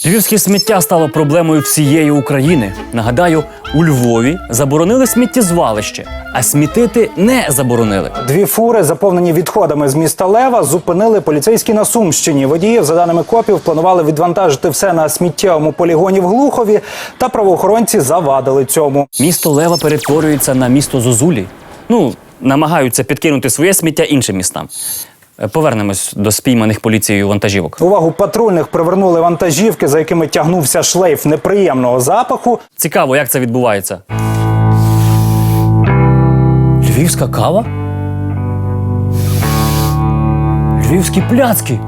Львівське сміття стало проблемою всієї України. Нагадаю, у Львові заборонили сміттєзвалище, а смітити не заборонили. 2 фури, заповнені відходами з міста Лева, зупинили поліцейські на Сумщині. Водіїв, за даними копів, планували відвантажити все на сміттєвому полігоні в Глухові, та правоохоронці завадили цьому. Місто Лева перетворюється на місто зозулі. Намагаються підкинути своє сміття іншим містам. Повернемось до спійманих поліцією вантажівок. Увагу патрульних привернули вантажівки, за якими тягнувся шлейф неприємного запаху. Цікаво, як це відбувається. Львівська кава? Львівські пляцки?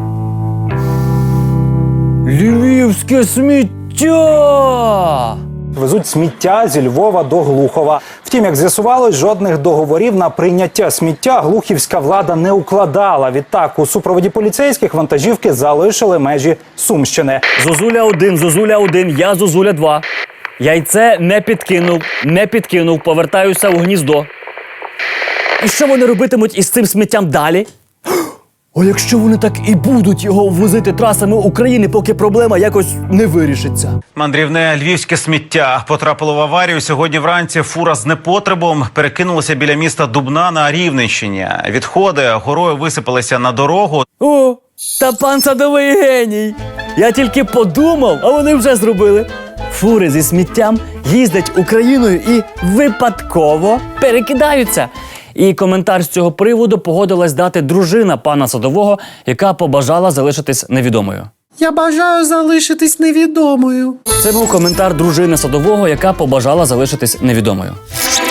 Львівське сміття! Везуть сміття зі Львова до Глухова. Втім, як з'ясувалось, жодних договорів на прийняття сміття глухівська влада не укладала. Відтак, у супроводі поліцейських вантажівки залишили межі Сумщини. Зозуля-1, Зозуля-1, я Зозуля-2. Яйце не підкинув, повертаюся у гніздо. І що вони робитимуть із цим сміттям далі? А якщо вони так і будуть його возити трасами України, поки проблема якось не вирішиться? Мандрівне львівське сміття потрапило в аварію. Сьогодні вранці фура з непотребом перекинулася біля міста Дубна на Рівненщині. Відходи горою висипалися на дорогу. О, та пан садовий геній! Я тільки подумав, а вони вже зробили. Фури зі сміттям їздять Україною і випадково перекидаються. І коментар з цього приводу погодилась дати дружина пана садового, яка побажала залишитись невідомою. Я бажаю залишитись невідомою. Це був коментар дружини садового, яка побажала залишитись невідомою.